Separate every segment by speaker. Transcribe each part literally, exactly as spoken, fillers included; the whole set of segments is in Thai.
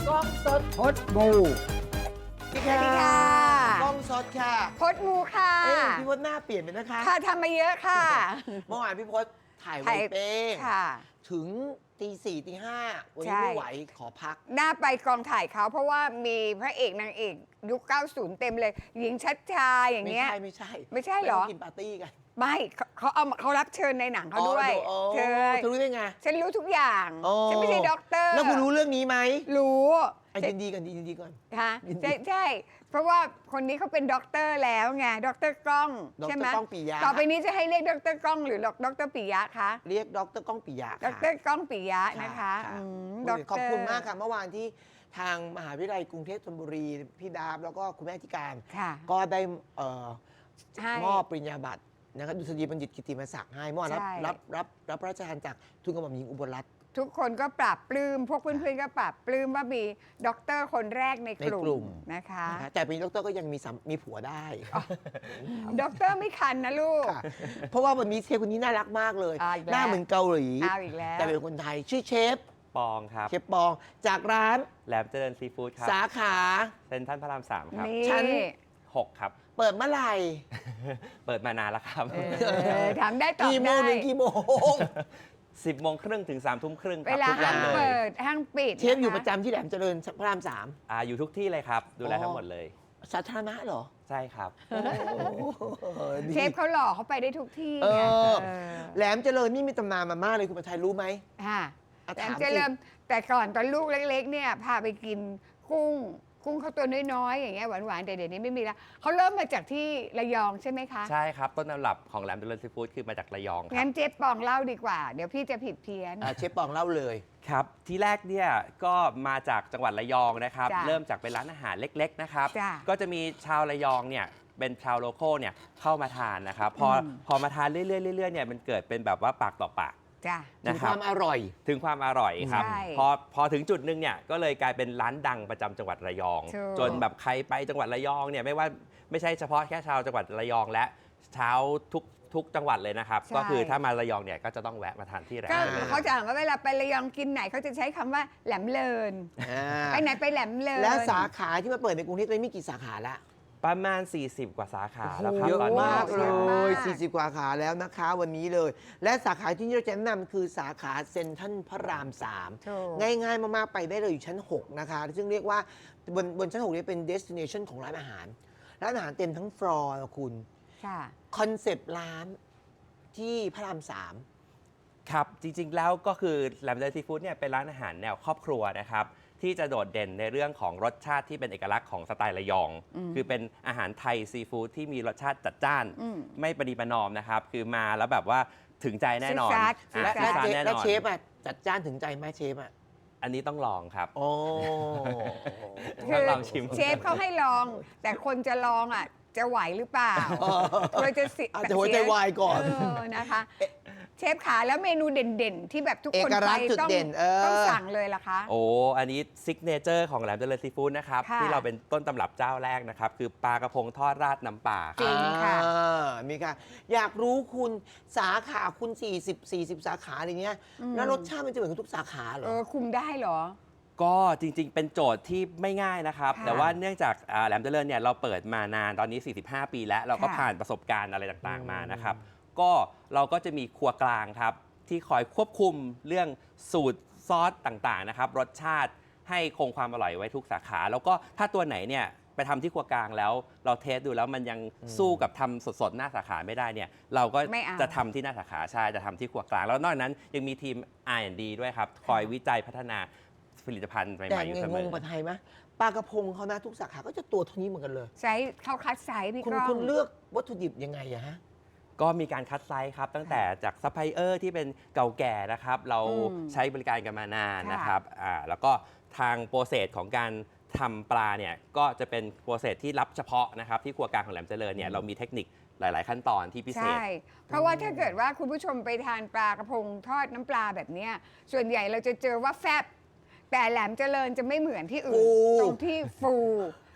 Speaker 1: กล้องสด
Speaker 2: พดบู
Speaker 1: สวัส
Speaker 3: สวัสดีค่ะ
Speaker 1: กล้องสดค่ะ
Speaker 3: พดมูค่ะ
Speaker 1: เอ๊ะพี่พจน์หน้าเปลี่ยนไปนะคะ
Speaker 3: ค่ะทำมาเยอะค่ะ
Speaker 1: เมื่อวานพี่พจน์ถ่ายไว
Speaker 3: ถ่าย
Speaker 1: เป้ง
Speaker 3: ค่ะ
Speaker 1: ถึงตีสี่ตีห้าวัน
Speaker 3: ใช่
Speaker 1: นี้ไม่ไหวขอพัก
Speaker 3: หน้าไปกองถ่ายเขาเพราะว่ามีพระเอกนางเอกยุคเก้าสิบเต็มเลย หญิงชัดชาอย่าง
Speaker 1: ไม่
Speaker 3: เงี้ย
Speaker 1: ใช่ไม่ใช่
Speaker 3: ไม่ใช่เหรอ
Speaker 1: ปกินปาร์ตี้กัน
Speaker 3: ไม่เขาเขาเอามาเขารับเชิญในหนังเขาด้วย
Speaker 1: อ๋อ
Speaker 3: เธอ
Speaker 1: เธอรู้ได้ไง
Speaker 3: ฉันรู้ทุกอย่าง
Speaker 1: อ๋อ
Speaker 3: ฉันไม่ใช่ด็อกเตอร์
Speaker 1: แล้วคุณรู้เรื่องนี้ไหม
Speaker 3: รู้
Speaker 1: ไอ้ยินดีกันยินดีก่อน
Speaker 3: ค่ะ
Speaker 1: ยินดี
Speaker 3: ใช่ใช่เพราะว่าคนนี้เขาเป็นด็อกเตอร์แล้วไงด็อกเตอร์กล้อง
Speaker 1: ด
Speaker 3: ใช่ไหม
Speaker 1: รก้องปิยะ
Speaker 3: ต่อไปนี้จะให้เรียกด็อกเตอร์กล้องหรือด็อกเตอร์ปิยะคะ
Speaker 1: เรียกดรก้องปิยะ
Speaker 3: ด็อก
Speaker 1: ค่ะ
Speaker 3: เตอร์ก้องปิยะนะคะ
Speaker 1: ค่ะ
Speaker 3: อืม
Speaker 1: ค่ะ
Speaker 3: ด็อกเตอร์
Speaker 1: ขอบคุณมากค่ะเมื่อวานที่ทางมหาวิทยาลัยกรุงเทพธนบุรีพี่ดาบแล้วก็คุณแม่ธิการ
Speaker 3: ค่ะ
Speaker 1: ก็ได้เอ่อ
Speaker 3: ให้
Speaker 1: มอบปริญญาบัตรนะครับดุษฎีบัณฑิตกิตติมศักดิ์ให้เมื่อวานรับ
Speaker 3: ใช่
Speaker 1: รับรับรับพระราชทานจากทุนกระหม่อมหญิงอุบลรัตน์
Speaker 3: ทุกคนก็ปรับปลื้มพวกเพื่อนๆก็ปรับปลื้มว่ามีด็อกเตอร์คนแรกในกลุ่
Speaker 1: ในกลุ่
Speaker 3: ม
Speaker 1: ม
Speaker 3: นะคะ
Speaker 1: นะคะแต่เป็นดรก็ยังมีสามีผัวได้
Speaker 3: ด็อกเตอร์ไม่คันนะลูก
Speaker 1: ค่ะเพราะว่าวันนี้เชฟคนนี้น่ารักมากเลย
Speaker 3: อ่าอีกแล้ว
Speaker 1: หน้าเหมือนเกาหลี
Speaker 3: เอาอีกแล้ว
Speaker 1: แต่เป็นคนไทยชื่อเชฟ
Speaker 4: ปองครับ
Speaker 1: เชฟปองจากร้าน
Speaker 4: แหลมเจริญซีฟู้ดครับ
Speaker 1: สาขา
Speaker 4: เซ็นทรัลพระรามสามครับ
Speaker 3: นี่
Speaker 1: ชั้น
Speaker 4: หกครับ
Speaker 1: เปิดเมื่อไหร่
Speaker 4: เปิดมานานแล้วครับ
Speaker 3: เออถามได้ตอบ
Speaker 1: กี่โม
Speaker 3: ได้
Speaker 1: งถึงกี่โมง
Speaker 4: สิบโมงครึ่งถึงสามทุ่มครึ่งค
Speaker 3: เว
Speaker 4: รับ
Speaker 3: ลา
Speaker 4: ทุกวั
Speaker 3: ห้าน ง
Speaker 4: เล
Speaker 3: เปิ
Speaker 4: ย
Speaker 3: ดห้างปิด
Speaker 1: เชฟอยู่
Speaker 3: นค
Speaker 1: ประจำที่แหลมเจริญพระรามสาม
Speaker 4: อ่าอยู่ทุกที่เลยครับ ดูแล
Speaker 1: อ๋อ
Speaker 4: ทั้งหมดเลย
Speaker 1: สาธารณะเหรอ
Speaker 4: ใช่ครับ
Speaker 1: โอ้โหดี
Speaker 3: เชฟเขาหล่อเขาไปได้ทุกที่
Speaker 1: เอ
Speaker 3: ไง
Speaker 1: อ
Speaker 3: เออ
Speaker 1: แหลมเจริญนี่มีตำนานมามากเลยคุณประชัยรู้ไหม
Speaker 3: ค่ะ
Speaker 1: อ่ะ
Speaker 3: แต่
Speaker 1: ถาม
Speaker 3: จะ
Speaker 1: สิ
Speaker 3: เริ่มแต่ก่อนตอนลูกเล็ก ๆ เนี่ยพาไปกินกุ้ง กุ้งเขาตัวน้อยๆอย่างเงี้ยหวานๆแต่เดี๋ยวนี้ไม่มีแล้วเขาเริ่มมาจากที่ระยองใช่ไหมคะ
Speaker 4: ใช่ครับ ต้นตำรับของแหลมเจริญซีฟู้ดคือมาจากระยองครั
Speaker 3: งั้
Speaker 4: บ
Speaker 3: นเจ๊ปองเล่าดีกว่า เดี๋ยวพี่จะผิดเพี้ยน
Speaker 1: อ่ะเชฟปองเล่าเลย
Speaker 4: ครับ ที่แรกเนี่ยก็มาจากจังหวัดระยองนะครับ
Speaker 3: จ้ะ
Speaker 4: เริ่มจากเป็นร้านอาหารเล็กๆนะครับ
Speaker 3: จ้ะ
Speaker 4: ก็จะมีชาวระยองเนี่ยเป็นชาวโลโก้เนี่ยเข้ามาทานนะครับ พออ
Speaker 3: ม
Speaker 4: พอมาทานเรื่อยๆเรื่อยๆเนี่ยมันเกิดเป็นแบบว่าปากต่อปาก
Speaker 3: จ้ะ
Speaker 1: ถึง
Speaker 4: นะค
Speaker 1: ครับ วามอร่อย
Speaker 4: ถึงความอร่อยครับ
Speaker 3: ใช่
Speaker 4: พอพอถึงจุดหนึ่งเนี่ยก็เลยกลายเป็นร้านดังประจำจังหวัดระยอง
Speaker 3: ถูก
Speaker 4: จนแบบใครไปจังหวัดระยองเนี่ยไม่ว่าไม่ใช่เฉพาะแค่ชาวจังหวัดระยองและชาวทุกทุกจังหวัดเลยนะครับ
Speaker 3: ใช่
Speaker 4: ก็คือถ้ามาระยองเนี่ยก็จะต้องแวะมาทานที่แหลม
Speaker 3: ก็
Speaker 4: เจริญ
Speaker 3: เขาจะถามว่าเวลาไประยองกินไหนเขาจะใช้คำว่าแหลมเลิน
Speaker 1: อ่า
Speaker 3: ไปไหนไปแหลมเลิน
Speaker 1: แล้วสาขาที่มาเปิดในกรุงเทพตอนนี้มีกี่สาขาละ
Speaker 4: ประมาณ สี่สิบ กว่าสาขาแล้วครับ
Speaker 1: เยอะ
Speaker 4: ตอนนี้
Speaker 1: มากเล
Speaker 3: เยอะมาย ก
Speaker 1: สี่สิบ กว่าสาขาแล้วนะคะวันนี้เลย และสาขาที่เราจะแนะนำคือสาขาเซ็นทรัลพระรามสาม
Speaker 3: ถูก
Speaker 1: ง่ายๆ มาก ๆ ไปได้เลยอยู่ชั้น หก นะคะ ซึ่งเรียกว่าบนบนชั้น หกนี้เป็น destination ของร้านอาหาร ร้านอาหารเต็มทั้งฟลอร์คุณ
Speaker 3: ค่ะ
Speaker 1: คอนเซปต์ร้านที่พระรามสาม
Speaker 4: ครับ จริงๆแล้วก็คือแหลมเจริญซีฟู้ดเนี่ยเป็นร้านอาหารแนวครอบครัวนะครับที่จะโดดเด่นในเรื่องของรสชาติที่เป็นเอกลักษณ์ของสไตล์ระยอง
Speaker 3: อืม
Speaker 4: คือเป็นอาหารไทยซีฟู้ดที่มีรสชาติจัดจ้าน
Speaker 3: อืม
Speaker 4: ไม่ประนีประนอมนะครับ คือมาแล้วแบบว่าถึงใจแน่นอน
Speaker 3: ซื่อสัตย์
Speaker 4: อ่ะ
Speaker 1: และ
Speaker 4: ซื่อ
Speaker 1: และ
Speaker 4: สัต
Speaker 1: เจ
Speaker 4: ย์แน่น
Speaker 1: และ
Speaker 4: อน
Speaker 1: เชฟอ่ะจัดจ้านถึงใจไหมเชฟอ่ะ
Speaker 4: อันนี้ต้องลองครับ
Speaker 1: โอ้
Speaker 3: คื
Speaker 4: ต้องลองชิม
Speaker 3: เชฟเขาให้ลอง แต่คนจะลองอ่ะ จะไหวหรือเปล่าเราจะสิ
Speaker 1: อาจจะหัวใจวายก่อน
Speaker 3: เออนะคะ เชฟขาแล้วเมนูเด่นๆ ที่แบบทุกคน
Speaker 1: เอกลั
Speaker 3: ไป
Speaker 1: กษณ์จุด
Speaker 3: ต้อง
Speaker 1: เด่นเออ
Speaker 3: ต้องสั่งเลยล่ะคะ
Speaker 4: โอ้ อันนี้ซิกเนเจอร์ของแหลมเจริญซีฟู้ดนะครับ
Speaker 3: ค่ะ
Speaker 4: ที่เราเป็นต้นตำรับเจ้าแรกนะครับ คือปลากระพงทอดราดน้ำปลาค
Speaker 3: จริ
Speaker 4: รับ
Speaker 3: งค่ะ
Speaker 1: อ่ามีค่ะ อยากรู้คุณสาขาคุณ สี่สิบ สี่สิบ สาขาอะไรเงี้ย
Speaker 3: อืม
Speaker 1: แล้วรสชาติมันจะเหมือนกับทุกสาขาเหร
Speaker 3: เอ
Speaker 1: อ
Speaker 3: อคุมได้เหรอ
Speaker 4: ก็จริงๆ เป็นโจทย์ที่ไม่ง่ายนะครับ
Speaker 3: ค่ะ
Speaker 4: แต่ว่าเนื่องจากอ่าแหลมเจริญเนี่ยเราเปิดมานานตอนนี้ สี่สิบห้า ปีแล้ว เราก็
Speaker 3: ค่ะ
Speaker 4: ผ่านประสบการณ์อะไรต่าง
Speaker 1: อืม
Speaker 4: ๆ มานะครับ ก็เราก็จะมีครัวกลางครับ ที่คอยควบคุมเรื่องสูตรซอสต่างๆนะครับ รสชาติให้คงความอร่อยไว้ทุกสาขา แล้วก็ถ้าตัวไหนเนี่ยไปทำที่ครัวกลางแล้ว เราเทสดูแล้วมันยังสู้กับทำสดๆ หน้าสาขาไม่ได้เนี่ยเราก็
Speaker 3: ไม่เอา
Speaker 4: จะทำที่หน้าสาขาใช่จะทำที่ครัวกลาง แล้วนอกจากนั้นยังมีทีม อาร์ แอนด์ ดี ด้วยครับ คอยวิจัยพัฒนาผลิตภัณฑ์ให
Speaker 1: แต่
Speaker 4: ม่ๆอยู่
Speaker 1: ไง
Speaker 4: เส
Speaker 1: ง
Speaker 4: ม
Speaker 1: ง
Speaker 4: อ
Speaker 1: ปะไทยไหมปลากระพงเขานะทุกสาขาก็จะตัวเท่านี้เหมือนกันเลย
Speaker 3: ใช้เข้าคัดไซส์พี่
Speaker 1: คุณ
Speaker 3: ก้อง
Speaker 1: คุณเลือกวัตถุดิบยังไงอะฮะ
Speaker 4: ก็มีการคัดไซส์ครับ ตั้งแต่จากซัพพลายเออร์ที่เป็นเก่าแก่นะครับ เรา
Speaker 3: อืม
Speaker 4: ใช้บริการกันมานาน
Speaker 3: ค่ะ
Speaker 4: นะครับอ่าแล้วก็ทางโปรเซสของการทำปลาเนี่ยก็จะเป็นโปรเซสที่รับเฉพาะนะครับที่ครัวกลางของแหลมเจริญเนี่ยเรามีเทคนิคหลาย ๆ ขั้นตอนที่พิเศษ
Speaker 3: ใช่ เพราะว่าถ้าเกิดว่าคุณผู้ชมไปทานปลากระพงทอดน้ำปลาแบบเนี้ยส่วนใหญ่เราจะเจอว่าแฟบ แต่แหลมเจริญจะไม่เหมือนที่อื่น
Speaker 1: ฟู
Speaker 3: ตรงที่ฟู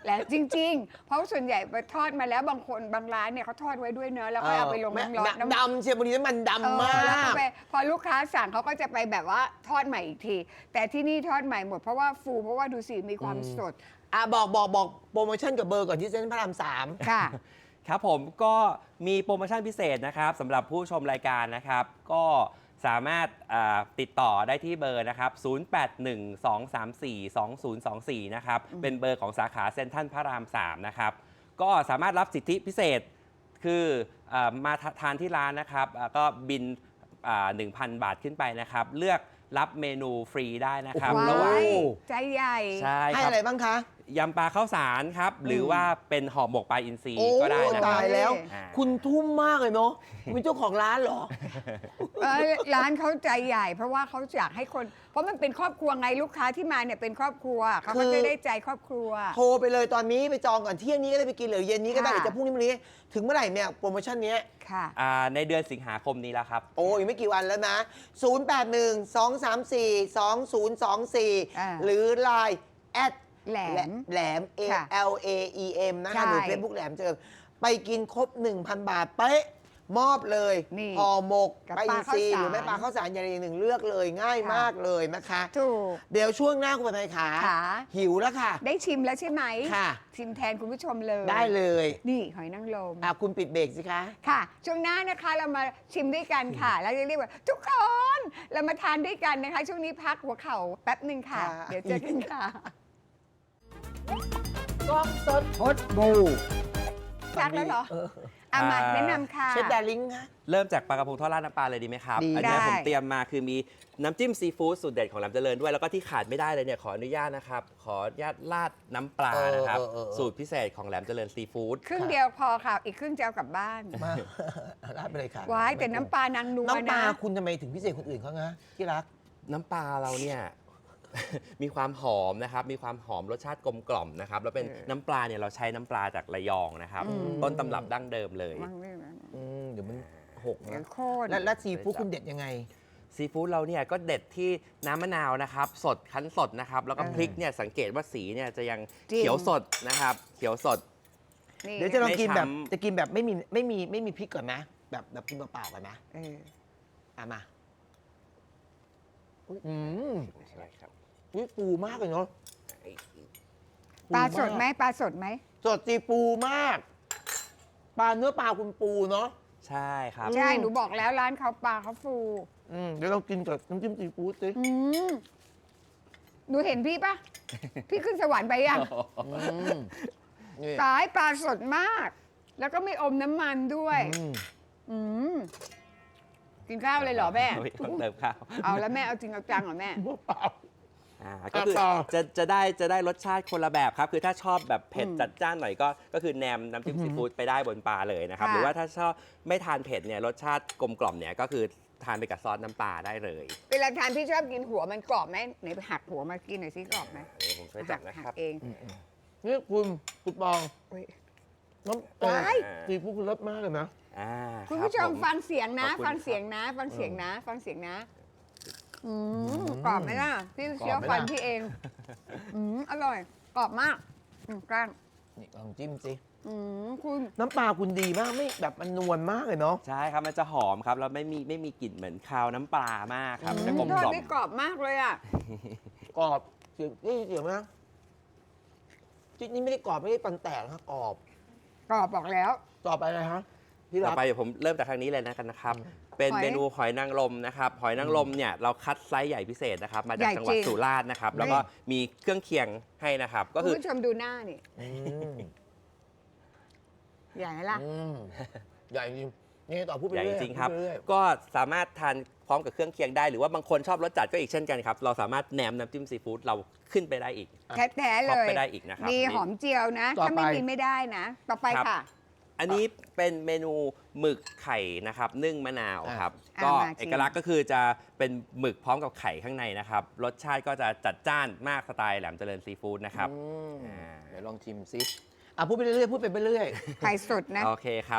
Speaker 3: และจริง ๆ เพราะส่วนใหญ่ไปทอดมาแล้วบางคนบางร้านเนี่ยเขาทอดไว้ด้วยเนอะแล้วก็เอาไปลงน้ำร้อน
Speaker 1: น้ำดำเชียวบางทีน้ำมัน
Speaker 3: เอ
Speaker 1: ดำ
Speaker 3: อ
Speaker 1: มา
Speaker 3: แล้วก็
Speaker 1: ก
Speaker 3: ไปพอลูกค้าสั่งเขาก็จะไปแบบว่าทอดใหม่อีกที แต่ที่นี่ทอดใหม่หมดเพราะว่าฟูเพราะว่าดูสิมีความสด
Speaker 1: อ่ะบอกบอกบอกโปรโมชั่นกับเบอร์ก่อนที่เซ็นทรัลพระรามสาม
Speaker 3: ค่ะ
Speaker 4: ครับผมก็มีโปรโมชั่นพิเศษนะครับสำหรับผู้ชมรายการนะครับ ก็สามารถอ่าติดต่อได้ที่เบอร์นะครับ ศูนย์ แปด หนึ่ง สอง สาม สี่ สอง ศูนย์ สอง สี่ นะครับ เป็นเบอร์ของสาขาเซ็นทรัลพระราม สาม นะครับ ก็สามารถรับสิทธิพิเศษคืออามาทานที่ร้านนะครับอ่าก็บินอ่า หนึ่งพัน บาทขึ้นไปนะครับ เลือกรับเมนูฟรีได้นะครับ
Speaker 1: โอ้โห
Speaker 4: ระหว่าง
Speaker 3: ว้ายใจใหญ่
Speaker 4: ใช่
Speaker 1: ให้
Speaker 4: ครับ
Speaker 1: อะไรบ้างคะ
Speaker 4: ยำปลาข้าวสารครับ หรือว่าเป็นห่อหมกปลาอินทรี
Speaker 1: โอ้
Speaker 4: ก็ได้นะค
Speaker 1: ตา
Speaker 4: รับ
Speaker 1: ยแล้ว
Speaker 4: อ่า
Speaker 1: คุณทุ่มมากเลยเนาะคุณเป็นเจ้าของร้านเหรอ
Speaker 3: เออร้านเขาใจใหญ่ เพราะว่าเขาอยากให้คน เพราะมันเป็นครอบครัวไงลูกค้าที่มาเนี่ยเป็นครอบครัวเขาก็
Speaker 1: คือ
Speaker 3: จะได้ใจครอบครัว
Speaker 1: โทรไปเลยตอนนี้ไปจองก่อนเที่ยงนี้ก็ได้ไปกินหรือเย็นนี้ก็ได้ห
Speaker 3: ค่ะ
Speaker 1: รือจะพรุ่งนี้วันนี้ ถึงเมื่อไหร่เนี่ยโปรโมชั่นเนี้ย
Speaker 3: ค่ะ
Speaker 4: อ่าในเดือนสิงหาคมนี้แล้วครับ
Speaker 1: โอ้ยไม่กี่วันแล้วนะ ศูนย์ แปด หนึ่ง สอง สาม สี่ สอง ศูนย์ สอง สี่
Speaker 3: อ่า
Speaker 1: หรือ ไลน์ แอด
Speaker 3: แหลม
Speaker 1: แหลม A
Speaker 3: ค่ะ
Speaker 1: L A E M นะ
Speaker 3: ใช่
Speaker 1: คะหรือ Facebook แหลมเจอไปกินครบ หนึ่งพัน บาทเป๊ะมอบเลย
Speaker 3: นี่
Speaker 1: ห่อหมก
Speaker 3: กับ
Speaker 1: ปลาอินทรี
Speaker 3: ปลาข้าวสาร
Speaker 1: หรือแม่ปลาข้าวสารอย่างใดอย่างหนึ่งเลือกเลยง่าย
Speaker 3: ค่ะ
Speaker 1: มากเลยนะคะ
Speaker 3: ถูก
Speaker 1: เดี๋ยวช่วงหน้าคุณไปขา
Speaker 3: ขา
Speaker 1: หิวแล้วค่ะ
Speaker 3: ได้ชิมแล้วใช่ไหม
Speaker 1: ค่ะ
Speaker 3: ชิมแทนคุณผู้ชมเลย
Speaker 1: ได้เลย
Speaker 3: นี่หอยนางรม
Speaker 1: อ่ะคุณปิดเบรกสิคะ
Speaker 3: ค่ะ ช่วงหน้านะคะเรามาชิมด้วยกันค่ะ แล้วจะเรียกว่าทุกคน เรามาทานด้วยกันนะคะ ช่วงนี้พักหัวเข่าแป๊บหนึ่งค่ะ
Speaker 1: ค่ะ
Speaker 3: เดี๋ยวเจอกันค่ะ
Speaker 1: กล้องสด
Speaker 2: พดบู
Speaker 3: พักแล้วเหรอ
Speaker 1: เออ
Speaker 3: อ่ะมา
Speaker 4: อ่า
Speaker 3: แนะนำค่ะ
Speaker 1: เชฟดาริงคะ
Speaker 4: เริ่มจากปลากระพงทอดราดน้ำปลาเลยดีไหมครับ
Speaker 1: ดี
Speaker 4: อันี้
Speaker 3: ได้
Speaker 4: ผมเตรียมมาคือมีน้ำจิ้มซีฟู้ดสูตรเด็ดของแหลมเจริญด้วย แล้วก็ที่ขาดไม่ได้เลยเนี่ยขออนุญาตนะครับ ขออนุญาตราดน้ำปลานะครับ
Speaker 1: เออเออเออ
Speaker 4: สูตรพิเศษของแหลมเจริญซีฟู้ด
Speaker 3: ครึ่งเดียวพอค่ะ อีกครึ่งจะเอากลับบ้าน
Speaker 1: มาราดไปเลยค่ะ
Speaker 3: ว้ายแต่น้ำปลานางนัว
Speaker 1: น้ำปลา
Speaker 3: นะ
Speaker 1: คุณทำไมถึงพิเศษคนอื่นเขานะที่รัก
Speaker 4: น้ำปลาเราเนี่ย มีความหอมนะครับ มีความหอมรสชาติกลมกล่อมนะครับ แล้วเป็น
Speaker 3: เออ
Speaker 4: น้ำปลาเนี่ยเราใช้น้ำปลาจากระยองนะครับ
Speaker 3: อืม
Speaker 4: ต้นตำรับดั้งเดิมเลย
Speaker 3: มั่งนี่นะ
Speaker 1: อืมเดี๋ยวมันหก
Speaker 3: เดี๋ย
Speaker 1: นะ
Speaker 3: วโคตร
Speaker 1: แล้วแล้วซีฟู้ดคุณเด็ดยังไง
Speaker 4: ซีฟู้ดเราเนี่ยก็เด็ดที่น้ำมะนาวนะครับ สดคั้นสดนะครับ แล้วก็
Speaker 3: เออ
Speaker 4: พริกเนี่ยสังเกตว่าสีเนี่ยจะยัง
Speaker 3: จริง
Speaker 4: เขียวสดนะครับ เขียวสด
Speaker 3: นี่
Speaker 1: เดี๋ยวจะลองกินแบบ
Speaker 4: ไม่ช้ำ
Speaker 1: จะกินแบบไม่มีไม่มีไม่มีพริกก่อนนะแบบแบบกินเปล่าๆก่อนนะ
Speaker 3: เออ
Speaker 1: อ่ะมาอืม
Speaker 4: ใช่ครับ
Speaker 1: อุ๊ยปูมากเลยเนาะ
Speaker 3: ปลา
Speaker 1: ปู
Speaker 3: ส
Speaker 1: ม
Speaker 3: ดไหมปลาสดไหม
Speaker 1: สดจีปูมาก ปลาเนื้อปลาคุณปูเนาะ
Speaker 4: ใช่ครับ
Speaker 3: ใช่ หนูบอกแล้วร้านเขาปลาเขาฟู
Speaker 1: อืมเดี๋ยวเรากินกับน้ำจิ้มซีฟู้ดสิ
Speaker 3: อืมหนูเห็นพี่ปะ พี่ขึ้นสวรรค์ไปยัง
Speaker 1: อืมนี่
Speaker 3: ตายปลาสดมาก แล้วก็ไม่อมน้ำมันด้วย
Speaker 1: อืม
Speaker 3: อืมกินข้าวเลยเหรอแม่
Speaker 4: ต้องเติมข้าว
Speaker 3: เอาแล้วแม่เอาจริงเอาจังเหรอแม่
Speaker 1: เปล่า
Speaker 4: อ่าก็คือ
Speaker 1: ต่อ
Speaker 4: จะจะได้จะได้รสชาติคนละแบบครับ คือถ้าชอบแบบเผ็ด
Speaker 3: อืม
Speaker 4: จัดจ้านหน่อยก็ก็คือแนมน้ำจิ้มซีฟู้ดไปได้บนปลาเลยนะครับ
Speaker 3: ค่ะ
Speaker 4: หรือว่าถ้าชอบไม่ทานเผ็ดเนี่ยรสชาติกลมกล่อมเนี่ยก็คือทานไปกับซอสน้ำปลาได้เลย
Speaker 3: เวลาทานพี่ชอบกินหัวมันกรอบไหมไหนไปหักหัวมากินหน่อยสิกรอบไหม
Speaker 4: เดี๋ยวผมช่วยจับนะครับ
Speaker 3: หักเอง
Speaker 1: นี่คุณคุณปอง
Speaker 3: อุ๊ย
Speaker 1: น้ำเอ่อ
Speaker 3: ว้าย
Speaker 1: ซีฟู้ดคุณเลิศมากเลยนะ
Speaker 4: อ่า
Speaker 3: คุณ
Speaker 4: รับ
Speaker 3: ผู้ชม
Speaker 4: ผ
Speaker 3: ฟังเสียงนะ
Speaker 4: ขอบคุณ
Speaker 3: ฟังเสียง
Speaker 4: ครับ
Speaker 3: นะ ฟังเสียงนะ ฟังเสียงนะ อืม
Speaker 1: อืม
Speaker 3: กรอบไหมล่ะ พี่เคี้ยว
Speaker 1: กรอบไหม
Speaker 3: ฟัน
Speaker 1: ล่ะ
Speaker 3: พี่เอง อืมอร่อย กรอบมากอืมกล้าง
Speaker 1: นี่ลองจิ้มสิ
Speaker 3: อืมคุณ
Speaker 1: น้ำปลาคุณดีมากไม่แบบมันนวลมากเลยเนาะ
Speaker 4: ใช่ครับ มันจะหอมครับ แล้วไม่มีไม่มีกลิ่นเหมือนคาวน้ำปลามากครับ
Speaker 1: อืม
Speaker 4: จะกลม
Speaker 3: ทอด
Speaker 4: กล่อม
Speaker 3: ได้กรอบมากเลยอ่ะ
Speaker 1: กรอบเสียงนี่เสียงนะจิ๊ดนี่ไม่ได้กรอบไม่ได้ปันแตกนะกรอบ
Speaker 3: กรอบบอกแล้ว
Speaker 1: ต่อไปอะไรฮะที่
Speaker 4: ต่
Speaker 1: รั
Speaker 4: อก ไปเดี๋ยวผมเริ่มจากทางนี้เลยนะกันนะครับ เป็น
Speaker 3: หอย
Speaker 4: เมนูหอยนางรมนะครับ หอยนางรมเนี่ยเราคัดไซส์ใหญ่พิเศษนะครับ มาจาก
Speaker 3: ใหญ่
Speaker 4: จังหวัด
Speaker 3: จริง
Speaker 4: สุราษฎร์นะครับ แล้วก็มีเครื่องเคียงให้นะครับ ก็
Speaker 3: คุ
Speaker 4: คื
Speaker 3: ณ
Speaker 4: อ
Speaker 3: ผู้ชมดูหน้านี่
Speaker 1: อืม
Speaker 3: ใหญ่ไหมล่ะ
Speaker 1: อืมใหญ่จริงนี่ต่อพูดไป
Speaker 4: ใหญ่
Speaker 1: เรื่อย
Speaker 4: จริงๆครับ
Speaker 1: พูดไปเอย
Speaker 4: ก็สามารถทานพร้อมกับเครื่องเคียงได้ หรือว่าบางคนชอบรสจัดก็อีกเช่นกันครับ เราสามารถแหนมน้ำจิ้มซีฟู้ดเราขึ้นไปได้อีก
Speaker 3: แท้ๆเล
Speaker 4: ท็อป
Speaker 3: ย
Speaker 4: ไปได้อีกนะครับ
Speaker 3: มีหอมเจียวนะ ถ้าไม่มีไม่ได้นะ ต่อไป
Speaker 4: ครับ
Speaker 3: ค่ะ
Speaker 4: อันนี้เป็นเมนูหมึกไข่นะครับนึ่งมะนาวครับ
Speaker 3: อ่ะ
Speaker 4: ก็
Speaker 3: มาชิม
Speaker 4: เอกลักษณ์ก็คือจะเป็นหมึกพร้อมกับไข่ข้างในนะครับ รสชาติก็จะจัดจ้านมากสไตล์แหลมเจริญซีฟู้ดนะครับ
Speaker 1: อืม
Speaker 4: อ่า
Speaker 1: เดี๋ยวลองชิมซิอ่ะพูดไปเรื่อยๆพูดไปเรื่อย
Speaker 3: ไข่สดนะ
Speaker 4: โอเคครับ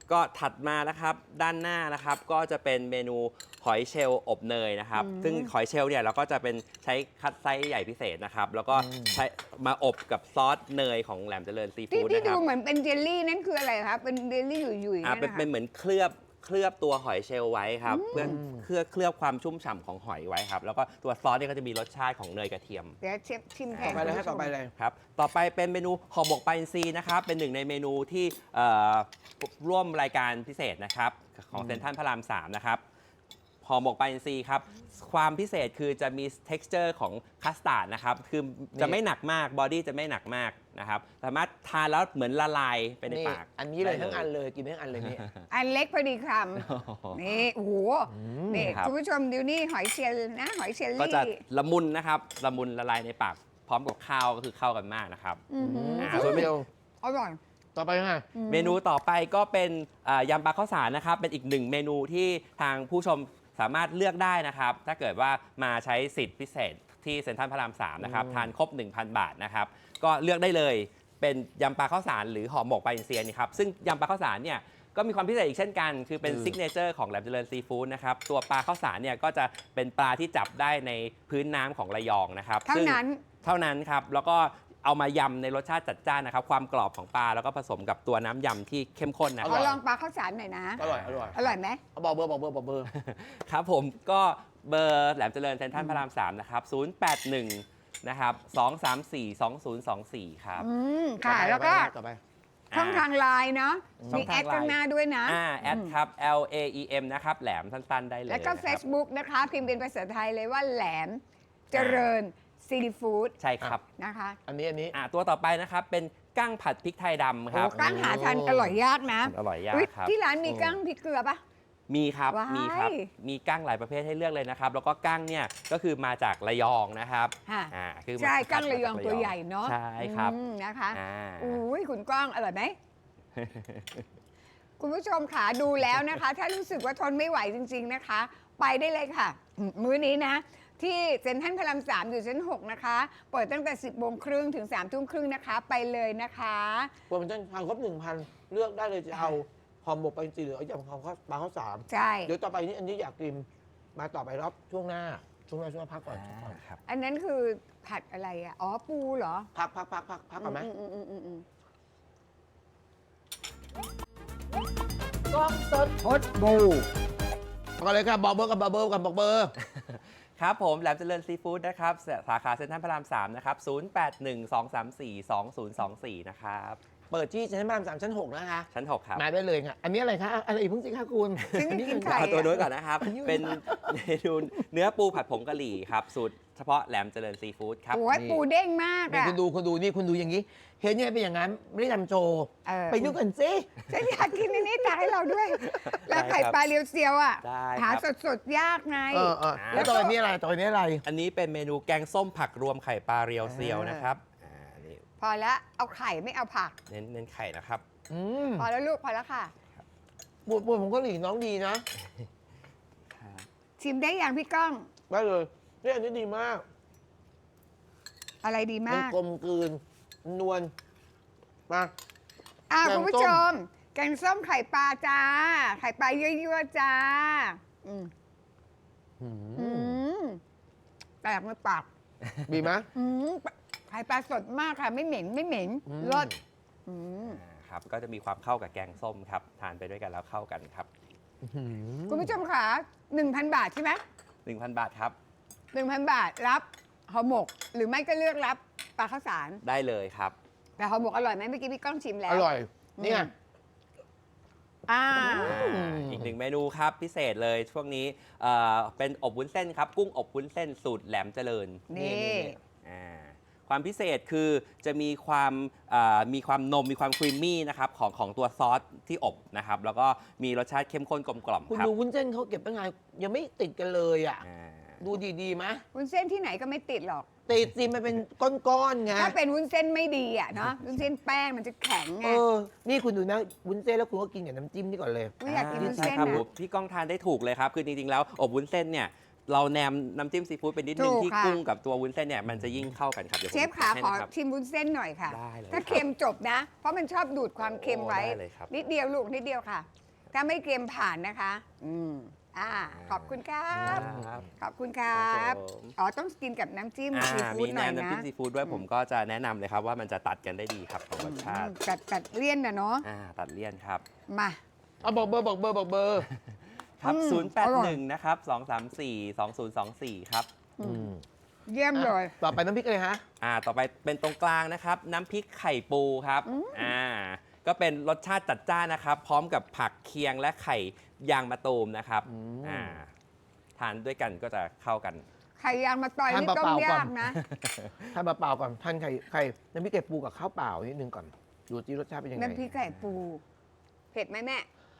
Speaker 4: ก็ถัดมานะครับด้านหน้านะครับก็จะเป็นเมนูหอยเชลล์อบเนยนะครับ
Speaker 3: อืม
Speaker 4: ซึ่งหอยเชลล์เนี่ยเราก็จะเป็นใช้คัดไซส์ใหญ่พิเศษนะครับ แล้วก็
Speaker 1: อืม
Speaker 4: ใช้มาอบกับซอสเนยของแหลมเจริญซี
Speaker 3: ที่
Speaker 4: ฟู้ด
Speaker 3: ที่
Speaker 4: นะค
Speaker 3: ดู
Speaker 4: รับ
Speaker 3: เหมือนเป็นเจลลี่นั่นคืออะไรครับเป็นเจลลี่หยุ่ยๆ
Speaker 4: อ่า
Speaker 3: เนี่ย
Speaker 4: เป็น
Speaker 3: นะคะ
Speaker 4: เป็นเหมือนเคลือบเคลือบตัวหอยเชลล์ไว้ครับเพื่อเคลือบเคลือบความชุ่มฉ่ำของหอยไว้ครับแล้วก็ตัวซอสเนี่ยก็จะมีรสชาติของเนยกระเทียม
Speaker 3: เดี๋ยวเชฟชิมแท
Speaker 1: ต่อน ไปเลยให้
Speaker 3: คุณผู้ชม
Speaker 1: ต่อไปเลย
Speaker 4: ครับ ต่อไปเป็นเมนูห่อหมกปลาอินทรีนะครับ เป็นหนึ่งในเมนูที่เอ่อร่วมรายการพิเศษนะครับของเซ็นทรัลพระรามสามนะครับห่อหมกปลาอินทรีครับ ความพิเศษคือจะมี texture ของคัสตาร์ดนะครับ คือจะไม่หนักมาก บอดี้จะไม่หนักมากนะครับ สามารถทานแล้วเหมือนละลายไปใน
Speaker 1: นี่
Speaker 4: ปาก
Speaker 1: อันนี้เลย
Speaker 4: ได้
Speaker 1: ทั้งอันเลยกินทั้งอันเลยนี่
Speaker 3: อันเล็กพอดีคำนี่โอ้โหนี่
Speaker 4: ครับ
Speaker 3: คุณผู้ชมดูนี่หอยเชลล์นะหอยเชล
Speaker 4: ก็
Speaker 3: ลี่
Speaker 4: จะละมุนนะครับ ละมุนละลายในปาก พร้อมกับข้าวก็คือเข้ากันมากนะครับ
Speaker 3: อื้อหือ
Speaker 4: อ่า
Speaker 1: ส่วนเมนู
Speaker 3: อร่อย
Speaker 1: ต่อไปค่ะ
Speaker 4: เมนูต่อไปก็เป็นอ่ายำปลาข้าวสารนะครับ เป็นอีกหนึ่งเมนูที่ทางผู้ชมสามารถเลือกได้นะครับ ถ้าเกิดว่ามาใช้สิทธิพิเศษที่เซ็นทรัลพระรามสามนะครับ
Speaker 1: อืม
Speaker 4: ทานครบ หนึ่งพัน บาทนะครับ ก็เลือกได้เลยเป็นยำปลาข้าวสารหรือห่อหมกปลาอินทรีนี่ครับ ซึ่งยำปลาข้าวสารเนี่ยก็มีความพิเศษอีกเช่นกัน คือเป็นซิกเนเจอร์ของแหลมเจริญซีฟู้ดนะครับ ตัวปลาข้าวสารเนี่ยก็จะเป็นปลาที่จับได้ในพื้นน้ำของระยองนะครับ
Speaker 3: เท่า
Speaker 4: ซึ่ง
Speaker 3: นั้น
Speaker 4: เท่านั้นครับ แล้วก็เอามายำในรสชาติจัดจ้านนะครับ ความกรอบของปลาแล้วก็ผสมกับตัวน้ำยำที่เข้มข้นนะ
Speaker 3: ข
Speaker 4: ค
Speaker 3: อ
Speaker 4: รับ
Speaker 3: ลองปลาข้าวสารหน่อยนะ
Speaker 1: อร่อยอร่อย
Speaker 3: อร่อยไหม
Speaker 1: เอาบอกเบอร์บอกเบอร์บอกเบอร์
Speaker 4: ครับผมก็เบอร์แหลมเจริญเซ็นทรัลพระรามสามนะครับ ศูนย์ แปด หนึ่ง นะครับ สอง สาม สี่ สอง ศูนย์ สอง สี่ ครับ
Speaker 3: อืมค่ะ
Speaker 1: ต่อไป
Speaker 3: แล้วก็
Speaker 1: ต่อไป
Speaker 3: ช่องทางไลน์เนาะ
Speaker 4: ช่
Speaker 3: มี
Speaker 4: อง
Speaker 3: แอ
Speaker 4: ทาง
Speaker 3: ด
Speaker 4: ไลน์
Speaker 3: ข้างหน้าด้วยนะ
Speaker 4: อ่าแอดครับ L A E M นะครับ แหลมสั้นๆได้เลย
Speaker 3: แล้วก็
Speaker 4: นะครับ
Speaker 3: Facebook นะคะ พิมพ์เป็นภาษาไทยเลยว่าแหลมเจริญซีฟู้ด
Speaker 4: ใช่ครับ
Speaker 3: นะคะ
Speaker 1: อันนี้อันนี้
Speaker 4: อ่าตัวต่อไปนะครับ เป็นกั้งผัดพริกไทยดำครับ
Speaker 3: โอ้กั้งหาทานอร่อยยากนะ
Speaker 4: อร่อยยาก
Speaker 3: อุ๊ย
Speaker 4: ครับ
Speaker 3: ที่ร้านมีกั้งพริกเกลือปะ
Speaker 4: มีครับ
Speaker 3: ว้าย
Speaker 4: มีครับ มีกั้งหลายประเภทให้เลือกเลยนะครับ แล้วก็กั้งเนี่ยก็คือมาจากระยองนะครับ
Speaker 3: ค่ะ
Speaker 4: อ่าคือ
Speaker 3: ใช่
Speaker 4: มา
Speaker 3: กั้ง
Speaker 4: คัด
Speaker 3: ระยอง
Speaker 4: มาจา
Speaker 3: ตัวใหญ่เนาะ
Speaker 4: ใช่ครับ
Speaker 3: อืมนะคะ
Speaker 4: อ่า
Speaker 3: อุ้ยคุณก้องอร่อยไหม คุณผู้ชมค่ะดูแล้วนะคะ ถ้ารู้สึกว่าทนไม่ไหวจริง ๆนะคะ ไปได้เลยค่ะอืมมื้อนี้นะ ที่เซ็นทรัลพระรามสามอยู่ชั้นหกนะคะ เปิดตั้งแต่ สิบโมงครึ่งถึง สามทุ่มครึ่งนะคะ ไปเลยนะคะ
Speaker 1: โปรโมชั่นทานครบหนึ่งพันเลือกได้เลยจะเอาห่อหมกปลาอินทรีหรือเอายำข้าวปลาข้าวสาม
Speaker 3: ใช่
Speaker 1: เดี๋ยวต่อไปนี้อันนี้อยากกินมาต่อไปรอบช่วงหน้า ช่วงหน้าช่วงหน้าพักก่อน
Speaker 4: อ่าครับ
Speaker 3: อันนั้นคือผัดอะไรอ่ะ อ๋อ ปูเหรอ
Speaker 1: พักพักพักพักพักก่อนไหม
Speaker 3: อืมอืมอืมอืม
Speaker 1: กล้องสดพดบูก่อนเลยครับบอกเบอร์กับบอกเบอร์กับบอกเบอร์
Speaker 4: ครับผมแหลมเจริญซีฟู้ดนะครับสสาขาเซ็นทรัลพระรามสามนะครับ ศูนย์ แปด หนึ่ง สอง สาม สี่ สอง ศูนย์ สอง สี่ นะครับ
Speaker 1: เปิดที่ชั้นพระรามสามชั้นหกนะคะ
Speaker 4: ชั้น หก ครับ
Speaker 1: มาได้เลยค่ะอันนี้อะไรคะอะไรอีกเพิ่งสิคะคุณ
Speaker 3: ฉันจะกินไข่
Speaker 4: เอาตัวนู้นก่อนนะครับ
Speaker 1: อันนี้
Speaker 4: เป็นเมนูเนื้อปูผัดผงกะหรี่ครับ สูตรเฉพาะแหลมเจริญซีฟู้ดครับ
Speaker 3: โอ้ยปูเด้งมาก
Speaker 1: นี่
Speaker 3: อ่ะ
Speaker 1: คุณดูคุณดูนี่คุณดูอย่างนี้ เห็นยังไงเป็นอย่างนั้นไม่ได้ทำโชว์
Speaker 3: เออ
Speaker 1: ไปดูกันสิ
Speaker 3: ฉันอยากกินอันนี้ตักให้เราด้วย แล้วไข่
Speaker 4: ได้ครับ
Speaker 3: ปลาเรียวเซียวอ่ะ
Speaker 4: ได้
Speaker 3: หา
Speaker 4: ครับ
Speaker 3: สดๆ ยากไง
Speaker 1: เออเออแล้วต่อไปนี้อะไรต่อไปนี้อะไร
Speaker 4: อันนี้เป็นเมนูแกงส้มผักรวมไข่ปลาเรียวเซียวนะครับอ่านี่
Speaker 3: พอแล้วเอาไข่ไม่เอาผัก
Speaker 4: เน้นเน้นไข่นะครับ
Speaker 1: อืม
Speaker 3: พอแล้วลูกพอแล้วค่ะ
Speaker 1: ปวดปวดผมก็หลีน้องดีนะ
Speaker 3: ชิมได้อย่างพี่ก้อง
Speaker 1: ได้เลยนี่อันนี้ดีมาก
Speaker 3: อะไรดี
Speaker 1: มัน
Speaker 3: มาก
Speaker 1: กลมกลืนนวลมา
Speaker 3: อ่า
Speaker 1: แกงส้ม
Speaker 3: คุณผู้ชม แกงส้มไข่ปลาจ้า ไข่ปลายั่วๆจ้า อืม
Speaker 1: อื
Speaker 3: อื
Speaker 1: ม
Speaker 3: มแตกในปาก
Speaker 1: ดีไหม
Speaker 3: อืมไข่ปลาสดมากค่ะ ไม่เหม็นไม่เหม็น
Speaker 1: อืม
Speaker 3: รสอืม
Speaker 4: อ่าครับก็จะมีความเข้ากับแกงส้มครับ ทานไปด้วยกันแล้วเข้ากันครับ
Speaker 1: อืม
Speaker 3: คุณผู้ชมค่ะหนึ่งพันบาทใช่ไหม
Speaker 4: หนึ่งพัน บาทครับ
Speaker 3: หนึ่งพันบาทรับห่อหมก หรือไม่ก็เลือกรับปลาข้าวสาร
Speaker 4: ได้เลยครับ
Speaker 3: แต่ห่อหมกอร่อยไหมเมื่อกี้พี่ก้องชิมแล้ว
Speaker 1: อร่อย เนี่ย
Speaker 3: อ่า
Speaker 4: อ่าอีกหนึ่งเมนูครับพิเศษเลยช่วงนี้เอ่อเป็นอบวุ้นเส้นครับ กุ้งอบวุ้นเส้นสูตรแหลมเจริญ
Speaker 3: นี่
Speaker 4: อ่าความพิเศษคือจะมีความอ่ามีความนมมีความครีมมี่นะครับของของตัวซอสที่อบนะครับ แล้วก็มีรสชาติเข้มข้นกลมกล่อม
Speaker 1: คุณ
Speaker 4: ครับ
Speaker 1: ดูวุ้นเส้นเขาเก็บตั้งไงยังไม่ติดกันเลยอ่ะ
Speaker 4: อ่า
Speaker 1: ดูดีๆไหม
Speaker 3: วุ้นเส้นที่ไหนก็ไม่ติดหรอก
Speaker 1: ติดสิมันเป็นก้อนๆไง
Speaker 3: ถ้าเป็นวุ้นเส้นไม่ดีอ่ะเนาะวุ้นเส้นแป้งมันจะแข็งไง
Speaker 1: เออ นี่คุณดูนะวุ้นเส้นแล้วคุณก็กินกับน้ำจิ้มนี่ก่อนเลย
Speaker 3: ไม่อยากกินวุ้น
Speaker 4: ใช่
Speaker 3: เส้น
Speaker 4: ครับ
Speaker 3: นะ
Speaker 4: ผมพี่ก้องทานได้ถูกเลยครับ คือจริงๆแล้วอบวุ้นเส้นเนี่ยเราแนมน้ำจิ้มซีฟู้ดไปนิดนึง
Speaker 3: ถูก
Speaker 4: ที่
Speaker 3: ค่ะ
Speaker 4: กุ้งกับตัววุ้นเส้นเนี่ยมันจะยิ่งเข้ากันครับเดี๋ยวผม
Speaker 3: เชฟขา
Speaker 4: ให้
Speaker 3: ขอ
Speaker 4: นะครับ
Speaker 3: ชิมวุ้นเส้นหน่อยค่ะ
Speaker 4: ได้เลย
Speaker 3: ถ้า
Speaker 4: ครับ
Speaker 3: เค็มจบนะ เพราะมันชอบดูดความเค็มไว้
Speaker 4: โอ้ได้เลยครับ
Speaker 3: นิดเดียวลูกนิดเดียวค่ะ ถ้าไม่เค็มผ่านนะคะ อืมอ่าขอบคุณครับ
Speaker 4: ครับ
Speaker 3: ขอบคุณครับ
Speaker 4: ครับผม
Speaker 3: อ๋อต้องกินกับน้ำจิ้ม
Speaker 4: อ่า
Speaker 3: ซีฟู้
Speaker 4: มี
Speaker 3: ดห
Speaker 4: แน
Speaker 3: น่อ
Speaker 4: ม
Speaker 3: ย
Speaker 4: น้ำ
Speaker 3: นะ
Speaker 4: จิ้มซีฟู้ดด้วยผมก็จะแนะนำเลยครับว่ามันจะตัดกันได้ดีครับของรสชาติ
Speaker 3: ตัดตัดเลี่ยนนะเนาะ
Speaker 4: อ่าตัดเลี่ยนครับ
Speaker 3: มา
Speaker 1: เอาบอกเบอร์บอกเบอร์บอกเบอร์
Speaker 4: ครับ
Speaker 3: อืม
Speaker 4: ศูนย์ แปด
Speaker 3: อร่
Speaker 4: ห
Speaker 3: อ
Speaker 4: นึ่
Speaker 3: ย
Speaker 4: ง นะครับ สองสามสี่ สองศูนย์สองสี่ ครับ
Speaker 1: อืม
Speaker 3: เยี่ยมเลย
Speaker 1: ต่อไปน้ำพริกเลยฮะ
Speaker 4: อ่า ต่อไปเป็นตรงกลางนะครับ น้ำพริกไข่ปูครับ อ่า ก็เป็นรสชาติจัดจ้านนะครับ พร้อมกับผักเคียงและไข่ยางมะตูมนะครับ
Speaker 1: อืม
Speaker 4: อ่า ทานด้วยกันก็จะเข้ากัน
Speaker 3: ไข่ยางมาต่อย
Speaker 1: ทาน
Speaker 3: นี่ต้ม
Speaker 1: เปล่าๆก่อน
Speaker 3: ยากนะ
Speaker 1: ทานเปล่าๆก่อนทานไข่ไข่น้ำพริกไก่ปูกับข้าวเปล่านิดนึงก่อน ดูที่รสชาติเป็นยังไง
Speaker 3: น้ำพริกไก่ปู เผ็ดไหมแม่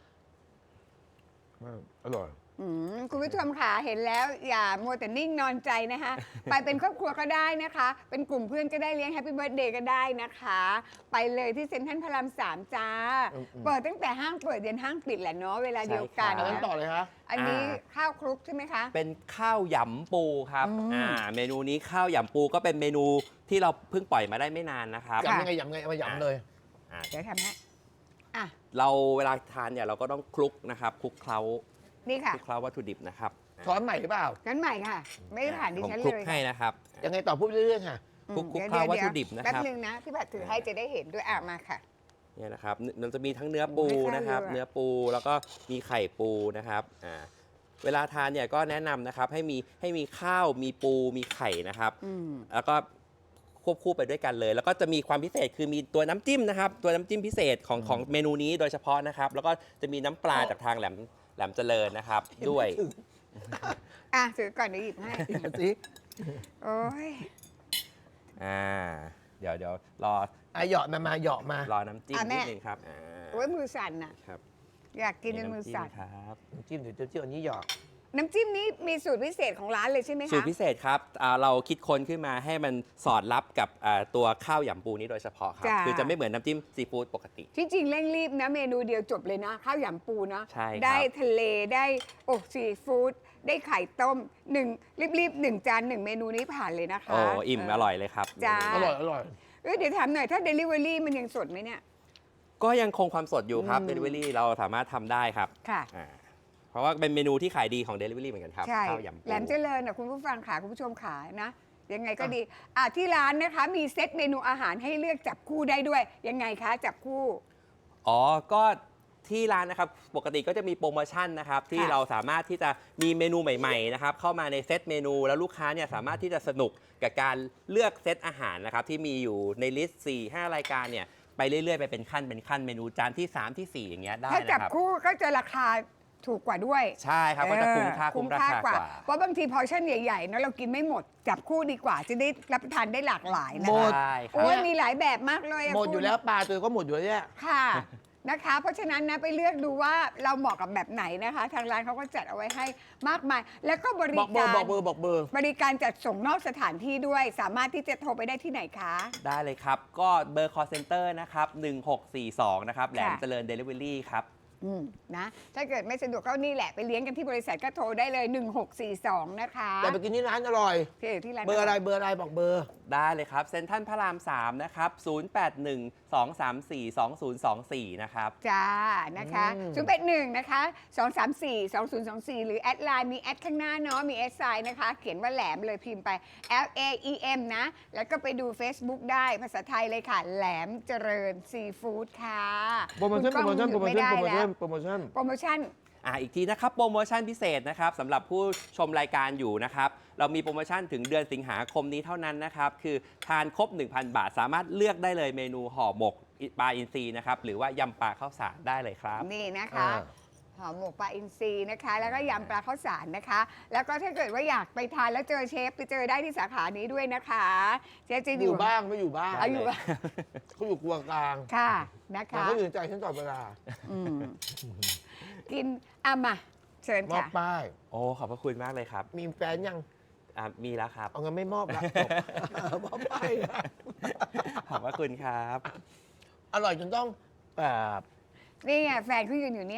Speaker 1: อร่อย
Speaker 3: อืมคุณผู้ชมค่ะเห็นแล้วอย่ามัวแต่นิ่งนอนใจนะคะ ไปเป็นครอบครัวก็ได้นะคะ เป็นกลุ่มเพื่อนก็ได้เลี้ยงแฮปปี้เบิร์ดเดย์ก็ได้นะคะ ไปเลยที่เซ็นทรัลพระรามสามจ้า
Speaker 1: อืมอืม
Speaker 3: เปิดตั้งแต่ห้างเปิดยันห้างปิดแหละเนาะเวลาเดียวกัน
Speaker 4: ใช่
Speaker 1: อันนั้น
Speaker 3: นะ
Speaker 1: ต่อเลยฮะ
Speaker 3: อันนี้
Speaker 4: อ่า
Speaker 3: ข้าวคลุกใช่ไหมคะ
Speaker 4: เป็นข้าวหยำปูครับ
Speaker 3: อืม
Speaker 4: อ่า เมนูนี้ข้าวหยำปูก็เป็นเมนูที่เราเพิ่งปล่อยมาได้ไม่นานนะครับ
Speaker 1: ยำยังไงยำยังไงเอามายำเลย
Speaker 4: อ่า
Speaker 3: เดี๋ยวทำให้อ่ะ
Speaker 4: เราเวลาทานเนี่ยเราก็ต้องคลุกนะครับ คลุกเคล้า
Speaker 3: นี่
Speaker 4: ค
Speaker 3: ค่ะ
Speaker 4: ลุกเคล้าวัตถุดิบนะครับ
Speaker 1: ช้อนใหม่หรือเปล่า
Speaker 3: งั้นใหม่ค่ะ ไม่ได้ผ่านดิ
Speaker 4: ผม
Speaker 3: ฉัน
Speaker 4: ค
Speaker 3: เล
Speaker 4: ลุก
Speaker 3: ย
Speaker 4: ให้นะครับ
Speaker 1: ยังไงต่อพูดเรื่อยๆค่ะ
Speaker 3: อืม
Speaker 4: คลุกคลุก
Speaker 3: ดี๋ย
Speaker 4: เคล้าวัตถุ
Speaker 3: เย
Speaker 4: ดิบนะครับ
Speaker 3: แป๊บนึงนะพี่ผัดถือให้จะได้เห็นด้วยอ่ะมาค่ะ
Speaker 4: เนี่ยนะครับมันจะมีทั้งเนื้อปู
Speaker 3: ให้ข้าว
Speaker 4: นะครับ
Speaker 3: เยอะ
Speaker 4: เนื้อปูแล้วก็มีไข่ปูนะครับอ่าเวลาทานเนี่ยก็แนะนำนะครับให้มีให้มีข้าวมีปูมีไข่นะครับ
Speaker 3: อืม
Speaker 4: แล้วก็ควบคู่ไปด้วยกันเลย แล้วก็จะมีความพิเศษคือมีตัวน้ำจิ้มนะครับ ตัวน้ำจิ้มพิเศษของของเมนูนี้โดยเฉพาะนะครับ แล้วก็จะมีน้ำปลาจากทางแหลมแหลมเจริญนะครับ ด้วย
Speaker 3: อ่ะถือก่อนเดี๋ยวหยิบให้
Speaker 1: เดี๋ยวสิ
Speaker 3: โอ้ย
Speaker 4: อ่าเดี๋ยวเดี๋ยวรอ
Speaker 1: อ่ะเหยาะมามาเหยาะมาร
Speaker 4: อน้ำจิ้ม
Speaker 3: อ่ะแม่
Speaker 4: นิดนึงครับอ่า
Speaker 3: โอ้ยมือสั่นน่ะ
Speaker 4: ครับ
Speaker 3: อยากกินจนมือสั่น
Speaker 4: ำจิ้ครับ
Speaker 1: น้ำจิ้มเดี๋ยวเจียวๆอันนี้เหยาะ
Speaker 3: น้ำจิ้มนี้มีสูตรพิเศษของร้านเลยใช่ไหมคะ
Speaker 4: สูตรพิเศษครับอ่าเราคิดค้นขึ้นมาให้มันสอดรับกับอ่าตัวข้าวหยำปูนี้โดยเฉพาะครับ
Speaker 3: จ้ะ
Speaker 4: คือจะไม่เหมือนน้ำจิ้มซีฟู้ดปกติ
Speaker 3: ที่จริงเร่งรีบนะเมนูเดียวจบเลยนะข้าวหยำปูนะ
Speaker 4: ใช่ครับ
Speaker 3: ได้ทะเลได้โอ้ซีฟู้ดได้ไข่ต้มหนึ่งรีบๆหนึ่งจานหนึ่งเมนูนี้ผ่านเลยนะคะ
Speaker 4: โอ้อิ่ม
Speaker 3: เ
Speaker 4: อร่อยเลยครับ
Speaker 3: จ้า
Speaker 1: อร่อยอร่อย
Speaker 3: เอ้ยเดี๋ยวถามหน่อยถ้า Delivery มันยังสดไหมเนี่ย
Speaker 4: ก็ยังคงความสดอยู่ครับ
Speaker 3: อืม
Speaker 4: Delivery เราสามารถทำได้ครับ
Speaker 3: ค่ะ
Speaker 4: อ่าเพราะว่าเป็นเมนูที่ขายดีของ Delivery เหมือนกันครับ
Speaker 3: ใช่
Speaker 4: ข้าวยำปู
Speaker 3: แหลมเจริญนะคุณผู้ฟังขาคุณผู้ชมขานะ ยังไงก็ดีอ่ะที่ร้านนะคะ มีเซตเมนูอาหารให้เลือกจับคู่ได้ด้วย ยังไงคะจับคู่
Speaker 4: อ๋อ ก็ที่ร้านนะครับ ปกติก็จะมีโปรโมชั่นนะครับ ที่
Speaker 3: ค่ะ
Speaker 4: เราสามารถที่จะมีเมนูใหม่ๆนะครับเข้ามาในเซตเมนูแล้วลูกค้าเนี่ยสามารถที่จะสนุกกับการเลือกเซตอาหารนะครับที่มีอยู่ในลิสต์สี่ ห้ารายการเนี่ยไปเรื่อยๆ ไปเป็นขั้นเป็นขั้นเมนูจานที่สามที่สี่อย่างเงี้ยได้
Speaker 3: ถ้าจับ
Speaker 4: นะครับ
Speaker 3: คู่ก็จะราคาถูกกว่าด้วย
Speaker 4: ใช่ครับก็จะคุ้มค่า
Speaker 3: เออ
Speaker 4: คุ้มราคากว่า
Speaker 3: เพราะบางทีพอร์ชั่นใหญ่ๆเนอะเรากินไม่หมด จับคู่ดีกว่า จะได้รับประทานได้หลากหลายนะ
Speaker 1: หม
Speaker 3: คะ
Speaker 1: ด
Speaker 4: ใช่ครั
Speaker 3: โอ้
Speaker 4: บ
Speaker 3: ยมีหลายแบบมากเลยะ
Speaker 1: หมด
Speaker 3: คุณ
Speaker 1: อยู่แล้วปลาตัวก็หมดอยู่แล้วเนี่ย
Speaker 3: ค่ะนะคะ เพราะฉะนั้นนะไปเลือกดูว่าเราเหมาะกับแบบไหนนะคะ ทางร้านเขาก็จัดเอาไว้ให้มากมาย แล้วก็บริ
Speaker 1: บอกเบอ
Speaker 3: การ
Speaker 1: ร์บอกเบอร์บอกเบอร์
Speaker 3: บริการจัดส่งนอกสถานที่ด้วย สามารถที่จะโทรไปได้ที่ไหนคะ
Speaker 4: ได้เลยครับ ก็เบอร์ call center นะครับหนึ่งหกสี่สองนะครับแหลมเจริญ Delivery ครับ
Speaker 3: อืมนะถ้าเกิดไม่สะดวกก็นี่แหละไปเลี้ยงกันที่บริษัทก็โทรได้เลย หนึ่งหกสี่สอง นะคะ
Speaker 1: แต่ไปกินที่ร้านอร่อย
Speaker 3: ที่ที่ร้าน
Speaker 1: เบอร์อะไรเบอร์อะไรบอกเบอร์
Speaker 4: ได้เลยครับเซ็นทรัลพระรามสามนะครับ ศูนย์ แปด หนึ่ง สอง สาม สี่ สอง ศูนย์ สอง สี่ นะครับ
Speaker 3: จ้านะคะ
Speaker 1: อืม
Speaker 3: ศูนย์แปดหนึ่งนะคะสองสามสี่สองศูนย์สองสี่หรือแอดไลน์มีแอดข้างหน้าเนาะมีแอดไซน์นะคะ เขียนว่าแหลมเลยพิมพ์ไป L A E M นะ แล้วก็ไปดู Facebook ได้ภาษาไทยเลยค่ะ แหลมเจริญซีฟู้ดค่ะ
Speaker 1: โปรโมชั่น
Speaker 3: คุ
Speaker 1: โปร
Speaker 3: ณ
Speaker 1: โม
Speaker 3: ก้
Speaker 1: ชั่
Speaker 3: อน ง
Speaker 1: โปรโม
Speaker 3: ไม่
Speaker 1: ชั่น
Speaker 3: ได้
Speaker 1: โปรโม
Speaker 3: แล้
Speaker 1: ชั่
Speaker 3: วน
Speaker 1: โปรโมชั่น
Speaker 3: โปรโมชั่น
Speaker 4: อ่าอีกทีนะครับ โปรโมชั่นพิเศษนะครับสำหรับผู้ชมรายการอยู่นะครับ เรามีโปรโมชั่นถึงเดือนสิงหาคมนี้เท่านั้นนะครับ คือทานครบ หนึ่งพัน บาท สามารถเลือกได้เลยเมนูห่อหมกปลาอินทรีนะครับ หรือว่ายำปลาข้าวสารได้เลยครับ
Speaker 3: นี่นะคะ
Speaker 1: อ่า
Speaker 3: หอมหมกปลาอินทรีนะคะ แล้วก็ยำปลาข้าวสารนะคะ แล้วก็ถ้าเกิดว่าอยากไปทานแล้วเจอเชฟไปเจอได้ที่สาขานี้ด้วยนะคะเชฟจะอ
Speaker 1: อยู่ ยู่บ้างไม่อยู่บ้าง
Speaker 3: เอาอยู่บ้าง
Speaker 1: เขาอยู่ครัวกลาง
Speaker 3: ค่ะนะ
Speaker 1: แต่
Speaker 3: คะ
Speaker 1: เขาอยู่ในใจฉันตลอดเวลา
Speaker 3: อืมกินอ่ะมาเชิญ
Speaker 1: มอบ
Speaker 3: ค่ะ
Speaker 1: ป้าย
Speaker 4: โอ้ขอบพระคุณมากเลยครับ
Speaker 1: มีแฟนยัง
Speaker 4: อ่ามีแล้วครับ
Speaker 1: เอาเงินไม่มอบละจบ มอบป้ายนะ
Speaker 4: ขอบพระคุณครับ
Speaker 1: อร่อยจนต้องแบบ
Speaker 3: นี่ไงแฟนเขายืนอยู่เนี่ย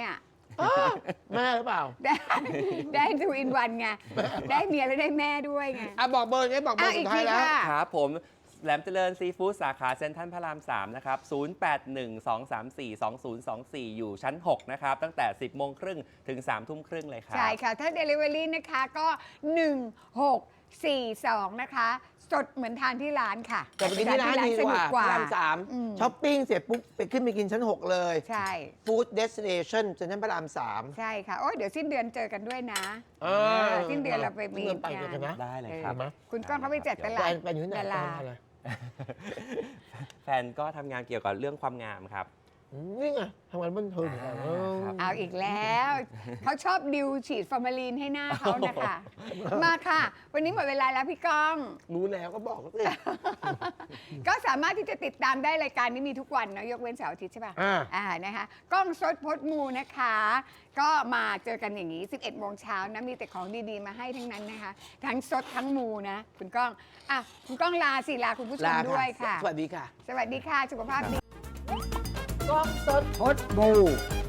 Speaker 1: อ้าวแม่หรือเปล่า
Speaker 3: ได้ได้ทูอินวันไง ได้เมียแล้วได้แม่ด้วยไง
Speaker 1: อ่ะบอกเบอร์ไงบอกเบอ
Speaker 3: อ่ะ
Speaker 1: ร์
Speaker 3: อี
Speaker 1: สุ
Speaker 3: ก
Speaker 1: ดท้า
Speaker 3: ที
Speaker 1: ยแล้ว
Speaker 3: ค่ะ
Speaker 4: ครับผมแหลมเจริญซีฟู้ดสาขาเซ็นทรัลพระรามสามนะครับศูนย์ แปด หนึ่ง สอง สาม สี่ สอง ศูนย์ สอง สี่ อยู่ชั้นหกนะครับตั้งแต่ สิบโมงครึ่งถึง สาม ทุ่มครึ่งเลยครับ
Speaker 3: ใช่ค่ะ ถ้า Delivery นะคะก็ หนึ่ง หก สี่ สอง นะคะ สดเหมือนทานที่ร้านค่ะ
Speaker 1: แต่ไปกินที่ร้านดี
Speaker 3: ส
Speaker 1: ก
Speaker 3: นุ
Speaker 1: ว่าก
Speaker 3: กว่า
Speaker 1: พระรามสาม
Speaker 3: อืม
Speaker 1: ช้อปปิ้งเสร็จปุ๊บไปขึ้นไปกินชั้นหกเลย
Speaker 3: ใช่
Speaker 1: Food Destination เซ็นทรัลพระรามสาม
Speaker 3: ใช่ค่ะ โอ้ยเดี๋ยวสิ้นเดือนเจอกันด้วยนะ
Speaker 1: เออ
Speaker 3: เออสิ้นเดือนเราไปมี
Speaker 1: เงินไปเจอกันนะ
Speaker 4: ได้เลยครับ
Speaker 1: เห็นไหม
Speaker 3: คุณก้องเขาไปจัดต
Speaker 1: แฟ
Speaker 3: ลาด
Speaker 1: นแฟนอยู่ที่ไหน
Speaker 3: ดารา
Speaker 1: แฟนอะไร
Speaker 4: แฟนก็ทำงานเกี่ยวกับเรื่องความงามครับ
Speaker 1: อืมนี่ไงทำงานบันเทิงเหมือนกันเออ
Speaker 4: ครับ
Speaker 3: เอาอีกแล้ว เขาชอบดิวฉีดฟอร์มาลีนให้หน้าเขานะคะ มาค่ะ วันนี้หมดเวลาแล้วพี่ก้อง
Speaker 1: รู้แล้วก็บอกสิ
Speaker 3: ก็สามารถที่จะติดตามได้รายการนี้มีทุกวันเนาะยกเว้นเสาร์อาทิตย์ใช่ป่ะ
Speaker 1: อ่า
Speaker 3: อ่านะคะกล้องสดพดมูนะคะ ก็มาเจอกันอย่างนี้ สิบเอ็ดโมงเช้านะมีแต่ของดีๆมาให้ทั้งนั้นนะคะ ทั้งสดทั้งมูนะ คุณก้องอ่ะคุณก้องลาสิลาคุณผู้ชม
Speaker 1: ลา
Speaker 3: ด้วยค่ะ
Speaker 1: สวัสดีค่ะ
Speaker 3: สวัสดีค่ะสุขภาพดี
Speaker 1: กล้องสด
Speaker 3: พดมู